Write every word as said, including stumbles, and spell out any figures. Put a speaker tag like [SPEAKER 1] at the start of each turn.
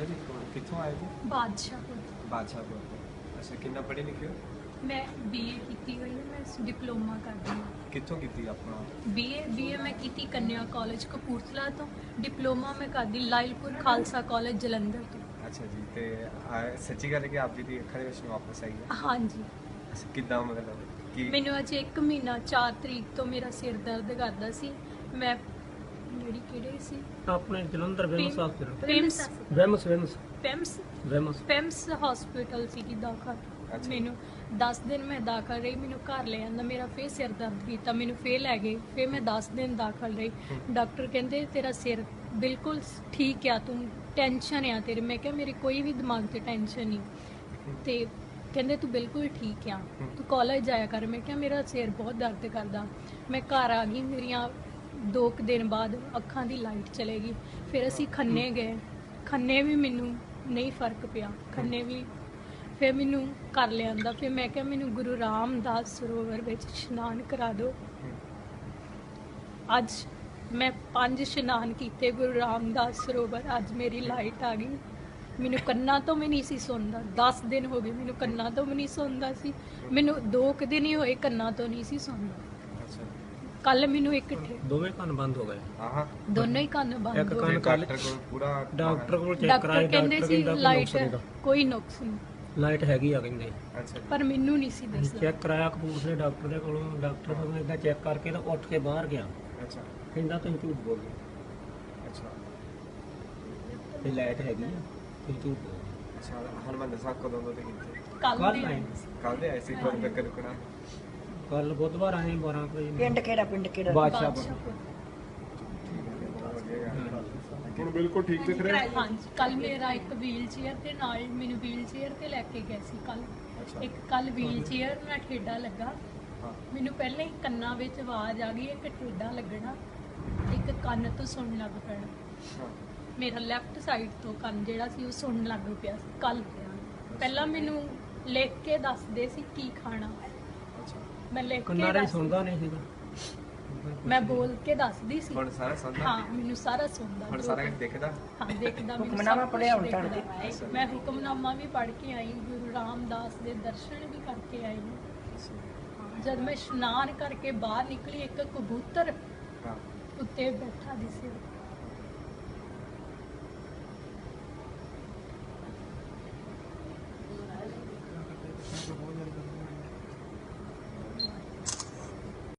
[SPEAKER 1] Hello जी, कितों आए थे?
[SPEAKER 2] बादशाहपुर।
[SPEAKER 1] बादशाहपुर ਤੋਂ। ਅੱਛਾ, ਕਿੰਨਾ ਪੜ੍ਹੇ ਲਿਖੇ ਹੋ?
[SPEAKER 2] मैं बीए ਕੀਤੀ ਹੋਈ ਹੈ, ਮੈਂ ਡਿਪਲੋਮਾ ਕਰਦੀ ਹਾਂ।
[SPEAKER 1] ਕਿੱਥੋਂ ਕੀਤੀ ਆਪਣਾ?
[SPEAKER 2] बीए बीए मैं ਕੀਤੀ ਕੰਨਿਆ ਕਾਲਜ ਕਪੂਰਥਲਾ ਤੋਂ। ਡਿਪਲੋਮਾ ਮੈਂ ਕਰਦੀ ਲਾਇਲਪੁਰ ਖਾਲਸਾ ਕਾਲਜ ਜਲੰਧਰ ਤੋਂ।
[SPEAKER 1] ਅੱਛਾ ਜੀ, ਤੇ ਆ- ਸੱਚੀ ਗੱਲ ਹੈ ਕਿ ਆਪ ਜੀ ਦੀ ਅੱਖਾਂ ਦੇ ਵਿੱਚ ਵਾਪਸ ਆਈ ਹੈ?
[SPEAKER 2] ਹਾਂਜੀ,
[SPEAKER 1] ਅੱਛਾ, ਕਿੱਦਾਂ ਮਤਲਬ ਕੀ?
[SPEAKER 2] ਮੈਨੂੰ ਅਜੇ ਇੱਕ ਮਹੀਨਾ ਚਾਰ ਤਰੀਕ ਤੋਂ ਮੇਰਾ ਸਿਰ ਦਰਦ ਕਰਦਾ ਸੀ। ਮੈਂ ਜਿਹੜੀ ਕਿਹੜੇ ਸੀ
[SPEAKER 3] ਆਪਣੇ ਜਲੰਧਰ ਵੈਮਸ ਹਸਪੀਟਲ
[SPEAKER 2] ਪਿਮਸ
[SPEAKER 3] ਵੈਮਸ ਵੈਮਸ
[SPEAKER 2] ਪਿਮਸ
[SPEAKER 3] ਵੈਮਸ
[SPEAKER 2] ਪਿਮਸ ਹਸਪੀਟਲ ਸੀ ਕਿ ਦਾਖਲ।
[SPEAKER 1] ਅੱਛਾ।
[SPEAKER 2] ਮੈਨੂੰ ਦਸ ਦਿਨ ਮੈਂ ਦਾਖਲ ਰਹੀ, ਮੈਨੂੰ ਘਰ ਲੈ ਆਂਦਾ, ਮੇਰਾ ਫੇਰ ਸਿਰ ਦਰਦ ਕੀਤਾ, ਮੈਨੂੰ ਫੇਰ ਲੈ ਗਏ, ਫੇਰ ਮੈਂ ਦਸ ਦਿਨ ਦਾਖਲ ਰਹੀ। ਡਾਕਟਰ ਕਹਿੰਦੇ ਤੇਰਾ ਸਿਰ ਬਿਲਕੁਲ ਠੀਕ ਆ, ਤੂੰ ਟੈਨਸ਼ਨ ਆ ਤੇਰੇ। ਮੈਂ ਕਿਹਾ ਮੇਰੀ ਕੋਈ ਵੀ ਦਿਮਾਗ 'ਤੇ ਟੈਨਸ਼ਨ ਨਹੀਂ। ਤੇ ਕਹਿੰਦੇ ਤੂੰ ਬਿਲਕੁਲ ਠੀਕ ਆ, ਤੂੰ ਕਾਲਜ ਜਾਇਆ ਕਰ। ਮੈਂ ਕਿਹਾ ਮੇਰਾ ਸਿਰ ਬਹੁਤ ਦਰਦ ਕਰਦਾ। ਮੈਂ ਘਰ ਆ ਗਈ, ਮੇਰੀਆਂ ਦੋ ਕੁ ਦਿਨ ਬਾਅਦ ਅੱਖਾਂ ਦੀ ਲਾਈਟ ਚਲੇ ਗਈ। ਫਿਰ ਅਸੀਂ ਖੰਨੇ ਗਏ, ਖੰਨੇ ਵੀ ਮੈਨੂੰ ਨਹੀਂ ਫਰਕ ਪਿਆ। ਖੰਨੇ ਵੀ ਫਿਰ ਮੈਨੂੰ ਕਰ ਲਿਆਂਦਾ। ਫਿਰ ਮੈਂ ਕਿਹਾ ਮੈਨੂੰ ਗੁਰੂ ਰਾਮਦਾਸ ਸਰੋਵਰ ਵਿੱਚ ਇਸ਼ਨਾਨ ਕਰਾ ਦਿਓ। ਅੱਜ ਮੈਂ ਪੰਜ ਇਸ਼ਨਾਨ ਕੀਤੇ ਗੁਰੂ ਰਾਮਦਾਸ ਸਰੋਵਰ। ਅੱਜ ਮੇਰੀ ਲਾਈਟ ਆ ਗਈ। ਮੈਨੂੰ ਕੰਨਾਂ ਤੋਂ ਵੀ ਨਹੀਂ ਸੀ ਸੁਣਦਾ, ਦਸ ਦਿਨ ਹੋ ਗਏ ਮੈਨੂੰ ਕੰਨਾਂ ਤੋਂ ਵੀ ਨਹੀਂ ਸੁਣਦਾ ਸੀ। ਮੈਨੂੰ ਦੋ ਕੁ ਦਿਨ ਹੀ ਹੋਏ ਕੰਨਾਂ ਤੋਂ ਨਹੀਂ ਸੀ ਸੁਣਦਾ।
[SPEAKER 1] ਅੱਛਾ,
[SPEAKER 2] ਕੱਲ ਮੈਨੂੰ ਇੱਕ ਠੇ
[SPEAKER 3] ਦੋਵੇਂ ਕੰਨ ਬੰਦ ਹੋ ਗਏ।
[SPEAKER 1] ਆਹਾਂ,
[SPEAKER 2] ਦੋਨੋਂ ਹੀ ਕੰਨ ਬੰਦ
[SPEAKER 3] ਇੱਕ
[SPEAKER 2] ਹੋ
[SPEAKER 3] ਕੰਨ
[SPEAKER 2] ਗਏ।
[SPEAKER 3] ਕੱਲ
[SPEAKER 1] ਡਾਕਟਰ ਕੋਲ ਪੂਰਾ
[SPEAKER 3] ਡਾਕਟਰ ਕੋਲ ਚੈੱਕ
[SPEAKER 2] ਡਾਕਟਰ
[SPEAKER 3] ਕਰਾਇਆ,
[SPEAKER 2] ਕਹਿੰਦੇ
[SPEAKER 3] ਡਾਕਟਰ
[SPEAKER 2] ਸੀ
[SPEAKER 3] ਕਹਿੰਦਾ ਕੋਈ
[SPEAKER 2] ਲਾਈਟ
[SPEAKER 3] ਨੁਕਸ ਨਹੀਂਗਾ,
[SPEAKER 2] ਕੋਈ ਨੁਕਸ ਨਹੀਂ,
[SPEAKER 3] ਲਾਈਟ ਹੈਗੀ ਆ ਕਹਿੰਦੇ।
[SPEAKER 1] ਅੱਛਾ ਜੀ,
[SPEAKER 2] ਪਰ ਮੈਨੂੰ ਨਹੀਂ ਸੀ ਦੱਸਦਾ।
[SPEAKER 3] ਚੈੱਕ ਕਰਾਇਆ ਕਪੂਰਥਲੇ ਡਾਕਟਰ ਦੇ ਕੋਲੋਂ। ਡਾਕਟਰ ਨੂੰ ਇਦਾਂ ਚੈੱਕ ਕਰਕੇ ਤਾਂ ਉੱਠ ਕੇ ਬਾਹਰ ਗਿਆ,
[SPEAKER 1] ਅੱਛਾ
[SPEAKER 3] ਕਹਿੰਦਾ ਤੁਸੀਂ ਝੂਠ ਬੋਲਦੇ,
[SPEAKER 1] ਅੱਛਾ
[SPEAKER 3] ਤੇ ਲਾਈਟ ਹੈਗੀ ਆ, ਤੁਸੀਂ ਝੂਠ ਬੋਲਦੇ।
[SPEAKER 1] ਅੱਛਾ। ਹਨੂੰਮਾਨ ਸਾਹਿਬ ਕਦੋਂ ਤੋਂ ਕੀਤੇ?
[SPEAKER 2] ਕੱਲ
[SPEAKER 3] ਕੱਲ੍ਹ
[SPEAKER 2] ਦੇ
[SPEAKER 3] ਆਏ।
[SPEAKER 1] ਕੱਲ ਦੇ ਆਏ ਸੀ ਕੋਲ ਤੱਕ ਰੁਕਣਾ?
[SPEAKER 3] ਕੱਲ ਬੁੱਧਵਾਰ ਆਏ ਬਾਰਾਂ ਕੁ ਵਜੇ।
[SPEAKER 4] ਪਿੰਡ ਕਿਹੜਾ ਪਿੰਡ ਕਿਹੜਾ
[SPEAKER 3] ਬਾਦਸ਼ਾਹਪੁਰ।
[SPEAKER 2] ਬਾਦਸ਼ਾਹਪੁਰ।
[SPEAKER 1] ਹੁਣ ਬਿਲਕੁਲ ਠੀਕ ਦਿਖ ਰਿਹਾ?
[SPEAKER 2] ਹਾਂਜੀ, ਕੱਲ ਮੇਰਾ ਇੱਕ ਵੀਲ ਚੇਅਰ ਤੇ ਨਾਲ ਮੈਨੂੰ ਵੀਲ ਚੇਅਰ ਤੇ ਲੈ ਕੇ ਗਏ ਸੀ ਕੱਲ।
[SPEAKER 1] ਅੱਛਾ।
[SPEAKER 2] ਇੱਕ ਕੱਲ ਵੀਲ ਚੇਅਰ ਨਾਲ ਠੇਡਾ ਲੱਗਾ।
[SPEAKER 1] ਹਾਂ,
[SPEAKER 2] ਮੈਨੂੰ ਪਹਿਲਾਂ ਹੀ ਕੰਨਾਂ ਵਿੱਚ ਆਵਾਜ਼ ਆ ਗਈ, ਇੱਕ ਠੇਡਾ ਲੱਗਣਾ, ਇੱਕ ਕੰਨ ਤੋਂ ਸੁਣਨ ਲੱਗ ਪੈਣਾ।
[SPEAKER 1] ਹਾਂ,
[SPEAKER 2] ਮੇਰਾ ਲੈਫਟ ਸਾਈਡ ਤੋਂ ਕੰਨ ਜਿਹੜਾ ਸੀ ਉਹ ਸੁਣਨ ਲੱਗ ਪਿਆ ਸੀ ਕੱਲ। ਪਹਿਲਾਂ ਮੈਨੂੰ ਲਿਖ ਕੇ ਦੱਸਦੇ ਸੀ ਕੀ ਖਾਣਾ,
[SPEAKER 1] ਅੱਛਾ।
[SPEAKER 2] ਮੈਂ ਲਿਖ ਕੇ
[SPEAKER 3] ਕੰਨਾਰੇ
[SPEAKER 2] ਦੱਸ-
[SPEAKER 3] ਸੁਣਦਾ ਨਹੀਂ ਸੀਗਾ।
[SPEAKER 2] ਮੈਂ ਬੋਲ ਕੇ ਦੱਸਦੀ ਸੀ।
[SPEAKER 1] ਹੁਣ ਸਾਰਾ ਸੁਣਦਾ?
[SPEAKER 2] ਹਾਂ, ਮੈਨੂੰ ਸਾਰਾ ਸੁਣਦਾ।
[SPEAKER 1] ਹੁਣ
[SPEAKER 2] ਜੋ
[SPEAKER 1] ਸਾਰਾ
[SPEAKER 2] ਕੁਝ-
[SPEAKER 1] ਕੁਝ ਦਿਖਦਾ?
[SPEAKER 2] ਹਾਂ, ਦੇਖਦਾ। ਮੈਨੂੰ
[SPEAKER 4] ਹੁਕਮਨਾਮਾ
[SPEAKER 2] ਸਭ ਕੁਛ
[SPEAKER 4] ਪੜ੍ਹਿਆ ਹੁਣ
[SPEAKER 2] ਦਿਖਦਾ।
[SPEAKER 4] ਤੁਹਾਡੇ?
[SPEAKER 2] ਮੈਂ ਹੁਕਮਨਾਮਾ ਵੀ ਪੜ੍ਹ ਕੇ ਆਈ, ਗੁਰੂ ਰਾਮਦਾਸ ਦੇ ਦਰਸ਼ਨ ਵੀ ਕਰਕੇ ਆਈ ਹਾਂ। ਜਦ ਮੈਂ ਇਸ਼ਨਾਨ ਕਰਕੇ ਬਾਹਰ ਨਿਕਲੀ, ਇੱਕ ਕਬੂਤਰ
[SPEAKER 1] ਹਾਂ,
[SPEAKER 2] ਉੱਤੇ ਬੈਠਾ ਦਿਸਿਆ।